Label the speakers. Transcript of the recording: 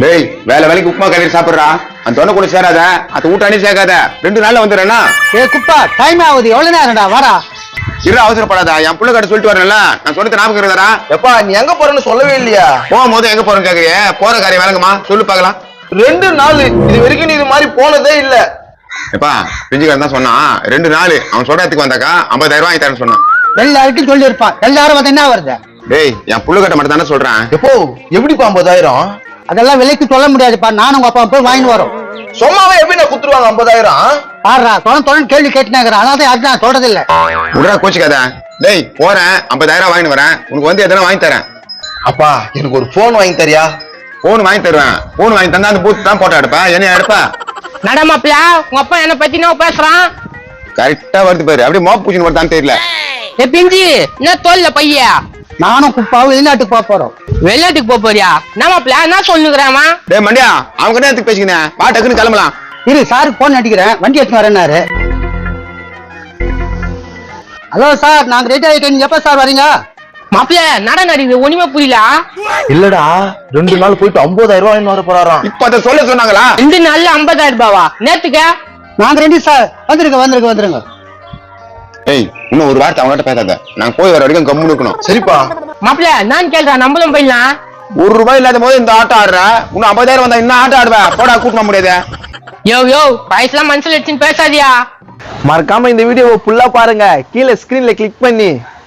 Speaker 1: டேய் வேலை வேலைக்கு உப்புமா கறி சாப்பிடுறா அந்த தொண்டை கூட சேராத அது ஊட்டானே சேர்க்காத 2 நாள்ல வந்துடுறேன்னா.
Speaker 2: குப்பா டைம் ஆகுது எவ்வளவு நேரம்டா வாடா.
Speaker 1: இரு அவசரப்படாதா என் புள்ள கிட்ட சொல்லிட்டு வரேன்ல நான் சொன்னது ஞாபகம் இருக்குதா?
Speaker 3: எப்பா நீ எங்க போறன்னு சொல்லவே இல்லையா?
Speaker 1: போகும்போது எங்க போறேன்னு கேக்குறியே போற காரியம் வேலைங்கம்மா சொல்லு பாக்கலாம்.
Speaker 3: 2 நாள் இது வரைக்கும் நீ இது மாதிரி போனதே இல்ல.
Speaker 1: எப்பா பிஞ்சுக்காரன் தான் சொன்னான் 2 நாள் அவன் சொல்றதுக்கு வந்தாக்கா 50,000 வாங்கி தரேன்னு சொன்னான்.
Speaker 2: எல்லாருக்கும் சொல்லி இருப்பான் எல்லாரும் வந்து என்ன வருது?
Speaker 1: டேய் என் புள்ள கிட்ட மட்டும் தானே சொல்றேன்.
Speaker 3: எப்போ எப்படிப்பா 50,000?
Speaker 2: அதெல்லாம் விலைக்கு சொல்ல முடியாதுப்பா. நானும் உங்க அப்பா போய் வாங்கி வரோம்.
Speaker 3: சும்மாவே எப்படி நான் குத்துருவாங்க 50,000?
Speaker 2: பாடுறா தொடர்ந்து கேள்வி கேட்டுனாங்கிறேன். அதான் யாரும் நான் சொல்றது இல்ல.
Speaker 1: உடனே கோச்சிக்காத. டேய் போறேன் 50,000 வாங்கிட்டு வரேன் உனக்கு வந்து எதனா வாங்கி தரேன்.
Speaker 3: அப்பா எனக்கு ஒரு போன் வாங்கி தரியா?
Speaker 1: போன் வாங்கி தருவேன். போன் வாங்கி தந்தா அந்த பூத் தான் போட்டோ எடுப்பேன் என்ன எடுப்பேன்.
Speaker 4: நடமாப்ல உங்க அப்பா என்ன பத்தி நான் பேசுறான்.
Speaker 1: கரெக்டா வருது பாரு அப்படியே மோப் பூச்சின்னு வருதான்னு தெரியல.
Speaker 4: பிஞ்சி என்ன தோல்ல பைய
Speaker 2: நானும் குப்பாவும் வெளிநாட்டுக்கு போக போறோம்.
Speaker 4: வெளிநாட்டுக்கு போறியா? நம்மப்ல என்ன சொல்லுங்கிறாமா?
Speaker 1: டேய் மண்டியா அவங்க கிட்ட எதுக்கு பேசிக்கினேன் வா டக்குன்னு கிளம்பலாம்.
Speaker 2: இரு சாருக்கு போன் அடிக்கிறேன் வண்டி எடுத்து வரேன்னாரு. ஹலோ சார் நாங்க ரெடி ஆயிட்டோம். நீங்க எப்ப சார் வரீங்க?
Speaker 4: மாப்பிள்ள நட நடிக்குது ஒண்ணுமே புரியல.
Speaker 3: இல்லடா 2 நாள் போயிட்டு 50,000 வாங்கி வர போறாராம்.
Speaker 1: இப்ப அதை சொல்ல சொன்னாங்களா?
Speaker 4: 2 நாள்ல 50,000 ரூபாவா? நேத்துக்க
Speaker 2: நாங்க ரெடி சார். வந்துருங்க.
Speaker 1: ஏய் இன்னும் ஒரு வார்த்தை அவங்ககிட்ட பேசாத. நாங்க போய் வர வரைக்கும் கம்முன்னு இருக்கணும்.
Speaker 3: சரிப்பா
Speaker 4: மாப்பிள்ள நான் கேள்றேன் நம்மளும் போயிடலாம்.
Speaker 1: ₹1 இல்லாத போது இந்த ஆட்டம் ஆடுற இன்னும் 50,000 வந்தா இன்னும் ஆட்டம் ஆடுவேன். போடா கூட்ட முடியாது.
Speaker 4: யோ வயசுலாம் மனசுல வச்சுன்னு பேசாதியா.
Speaker 3: மறக்காம இந்த வீடியோவை ஃபுல்லா பாருங்க. கீழே ஸ்கிரீன்ல கிளிக் பண்ணி